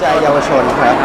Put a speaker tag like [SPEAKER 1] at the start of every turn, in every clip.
[SPEAKER 1] ใจเยาวชนครับ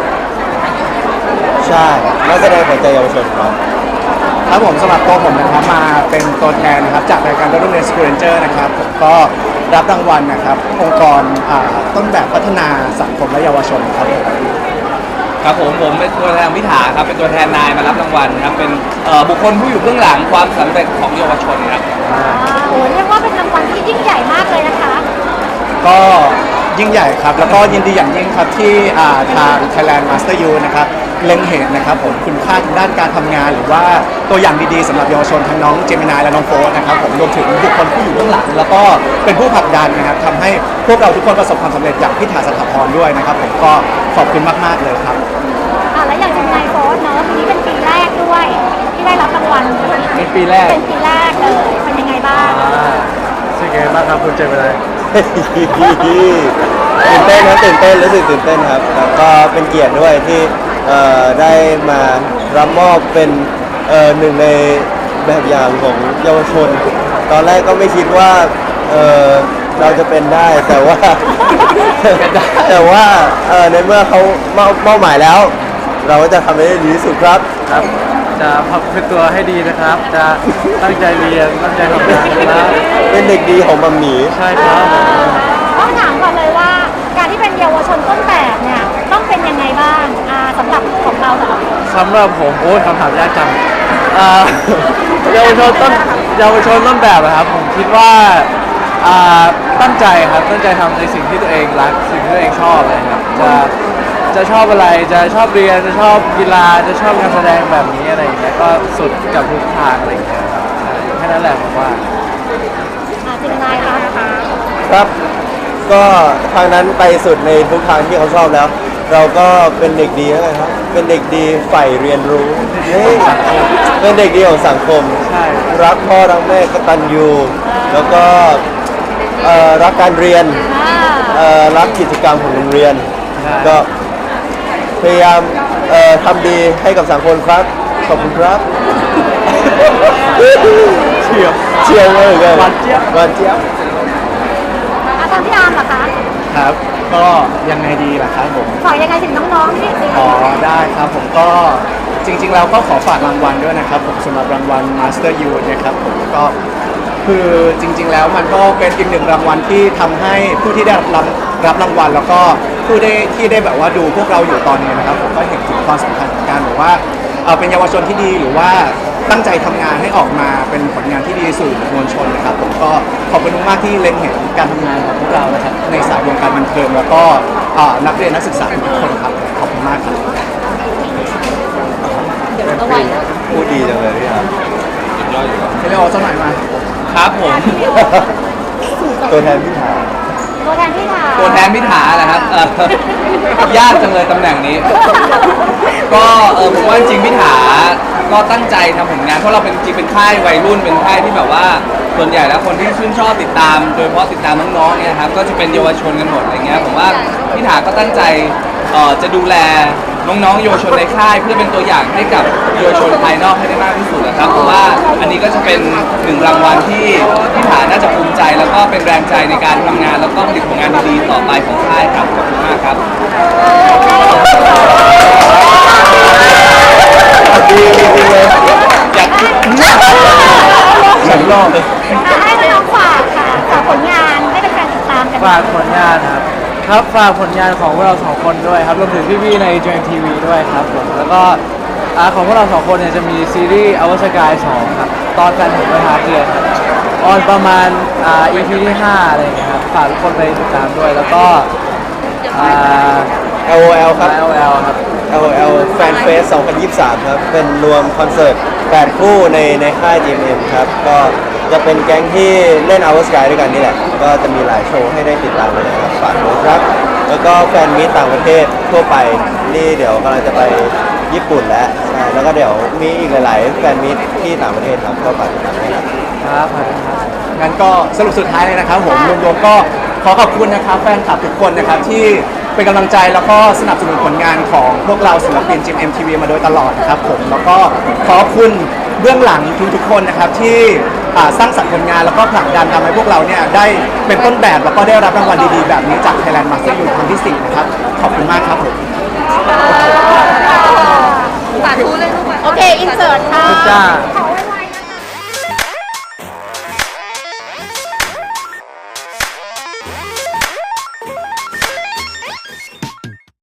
[SPEAKER 1] ใช่นักแสดงขวัญใจเยาวชนครับ
[SPEAKER 2] ครับผมสำหรับตัวผมนะครับมาเป็นตัวแทนนะครับจากรายการโรงเรียนสกูเรนเจอร์นะครับผมก็รับรางวัลนะครับองค์กรต้นแบบพัฒนาสังคมและเยาวชนครับ
[SPEAKER 3] ครับผมเป็นตัวแทนพิธาครับเป็นตัวแทนนายมารับรางวัลครับเป็นบุคคลผู้อยู่เบื้องหลังความสำเร็จของเยาวชนครับ
[SPEAKER 4] โอ้เรียกว่าเป็นรางวัลที่ยิ่งใหญ่มากเลยนะคะ
[SPEAKER 2] ก็ยิ่งใหญ่ครับแล้วก็ยินดีอย่างยิ่งครับที่ทาง Thailand Master U นะครับเล็งเห็นนะครับผมคุณค่าทางด้านการทำงานหรือว่าตัวอย่างดีๆสำหรับเยาวชนทั้งน้องเจมินายและน้องโฟสนะครับผมรวมถึงบุคคลผู้อยู่เบื้องหลังแล้วก็เป็นผู้ผลักดันนะครับทำให้พวกเราทุกคนประสบความสำเร็จอย่างพิธาสถาพรด้วยนะครับผมก็ขอบคุณมากๆเลยครับ
[SPEAKER 4] แล้วอย่างเจมินายโฟสเนอะปีนี้เป็นปีแรกด้วยที่ได้รับรางวัล
[SPEAKER 3] เป็นปีแรก
[SPEAKER 4] เป็นปีแรกเลยเป็นยังไงบ้าง
[SPEAKER 2] เป็นไงบ้างครับคุณเจมินาย
[SPEAKER 1] ตื่นเต้นครับตื่นเต้นรู้สึกตื่นเต้นครับแล้วก็เป็นเกียรติด้วยที่ได้มารับมอบเป็นหนึ่งในแบบอย่างของเยาวชนตอนแรกก็ไม่คิดว่าเราจะเป็นได้แต่ว่าในเมื่อเขาเป้าหมายแล้ว เราก็จะทำให้ดีที่สุดครับ
[SPEAKER 2] จะพักเป็นตัวให้ดีนะครับจะตั้งใจเรียนตั้งใจทำงานนะ
[SPEAKER 1] เป็นเด็กดีของมัมหมี่
[SPEAKER 2] ใช่ครับ
[SPEAKER 4] ต้องถามก่อนเลยว่าการที่เป็นเยาวชนต้นแบบเนี่ยต้องเป็นยังไงบ้างสำหรับของเรา
[SPEAKER 2] สำหรับผมโอ้ยคำถามยากจังเยาวชนต้นแบบนะครับผมคิดว่าตั้งใจครับตั้งใจทำในสิ่งที่ตัวเองรักสิ่งที่ตัวเองชอบเลยครับจะชอบอะไรจะชอบเรียนจะชอบกีฬาจะชอบการแสดงแบบนี้อะไรอย่างเงี้ยก็สุดกับทุกทางอะไรอย่างเงี้ยครับแค่นั้นแหละผมว่า
[SPEAKER 4] จริงไหมคะ
[SPEAKER 1] ครับก็ทางนั้นไปสุดในทุกทางที่เขาชอบแล้ว เราก็เป็นเด็กดีนะครับเป็นเด็กดีใฝ่เรียนรู้เป็นเด็กดีของสังคมรักพ่อรักแม่กตัญญูแล้วก็รักการเรียนรักกิจกรรมของโรงเรียนก็พยายามทำดีให้กับสังคมครับขอบคุณครับเชียวเลยหวานเจี๊ยบ
[SPEAKER 4] ทางพี่อาร์มเหรอคะ
[SPEAKER 2] ครับก็ยังไงดีล่ะครับผม
[SPEAKER 4] ฝากยังไงถึงน้องๆที่
[SPEAKER 2] ได้ครับผมก็จริงๆเราก็ขอฝากรางวัลด้วยนะครับผมสำหรับรางวัล Master U นะครับผมก็คือจริงๆแล้วมันก็เป็นอีกหนึ่งรางวัลที่ทำให้ผู้ที่ได้รับรางวัลแล้วก็ผู้ที่ได้แบบว่าดูพวกเราอยู่ตอนนี้นะครับผมก็เห็นถึงความสำคัญของการแบบว่าเป็นเยาวชนที่ดีหรือว่าตั้งใจทำงานให้ออกมาเป็นผลงานที่ดีสู่มวลชนนะครับผมก็ขอบคุณมากที่เล็งเห็นการทำงานของพวกเรานะครับในสายวงการบันเทิงแล้วก็นักเรียนนักศึกษาทุกคนครับขอบคุณมากครับ
[SPEAKER 1] พูดดีจังเลยพี่ครับ
[SPEAKER 2] ให้เราสักหน่อยมา
[SPEAKER 3] ครับผม
[SPEAKER 1] ตัวแทนพิธา
[SPEAKER 3] ตัวแทนพิธาแหละครับยากจังเลยตำแหน่งนี้ก็ผมว่าจริงพิธาก็ตั้งใจทำผลงานเพราะเราเป็นจริงเป็นค่ายวัยรุ่นเป็นค่ายที่แบบว่าส่วนใหญ่แล้วคนที่ชื่นชอบติดตามโดยเฉพาะติดตามน้องๆเนี่ยครับก็จะเป็นเยาวชนกันหมดอะไรเงี้ยผมว่าพิธาก็ตั้งใจจะดูแลน้องๆเยาวชนในค่ายเพื่อเป็นตัวอย่างให้กับเยาวชนภายนอกให้ได้มากที่สุดนะครับเพราะว่าอันนี้ก็จะเป็นหนึ่งรางวัลที่พิธาน่าจะภูมิใจแล้วก็เป็นแรงใจในการทำงานแล้วก็ผลิตผลงานดีๆต่อไปของค่ายครับขอบคุณมากครับ
[SPEAKER 1] ดีเลย
[SPEAKER 3] อยาก
[SPEAKER 1] ฉันรอบ
[SPEAKER 4] เลยให้น้องฝากค่ะฝากผลงานให้เป็นการติดตามกัน
[SPEAKER 2] ฝากผลงานครับฝากผลงานของพวกเราสองคนด้วยครับรวมถึงพี่ๆใน JMTV ด้วยครับผมแล้วก็ของพวกเราสองคนเนี่ยจะมีซีรีส์อวสกาย2ครับตอนแฟนผมไปหาเพื่อนครับออนประมาณEP ที่5อะไรอย่างเงี้ยครับฝากทุกคนไปติดตามด้วยแล้วก็
[SPEAKER 1] LOL ครับ
[SPEAKER 2] LOL ครับ
[SPEAKER 1] LOL Fan Fest 2023 ครับเป็นรวมคอนเสิร์ต8คู่ในค่าย GMM ครับก็จะเป็นแก๊งที่เล่น Our Sky ด้วยกันนี่แหละก็จะมีหลายโชว์ให้ได้ติดตามเลยนะครับฝากด้วยครับแล้วก็แฟนมีตต่างประเทศทั่วไปนี่เดี๋ยวกำลังจะไปญี่ปุ่นแล้วใช่แล้วก็เดี๋ยวมีอีกหลายๆแฟนมีตที่ต่างประเทศครับก็ฝากติดตามด้วย
[SPEAKER 2] ครับงั้นก็สรุปสุดท้ายเลยนะครับผมรวมๆก็ขอขอบคุณนะครับแฟนคลับทุกคนนะครับที่เป็นกำลังใจแล้วก็สนับสนุนผลงานของพวกเราศิลปิน GMMTV มาโดยตลอดนะครับผมแล้วก็ขอบคุณเบื้องหลังทุกๆคนนะครับที่สร้างสรรค์ผลงานแล้วก็ผลักดันทำให้พวกเราเนี่ยได้เป็นต้นแบบแล้วก็ได้รับรางวัลดีๆแบบนี้จาก Thailand Master Youth ครั้งที่ 4 นะครับขอบคุณมากครับผม
[SPEAKER 5] สาธุเลยลูก
[SPEAKER 4] โอเค อินเสิร์ตค่ะ
[SPEAKER 2] จ้า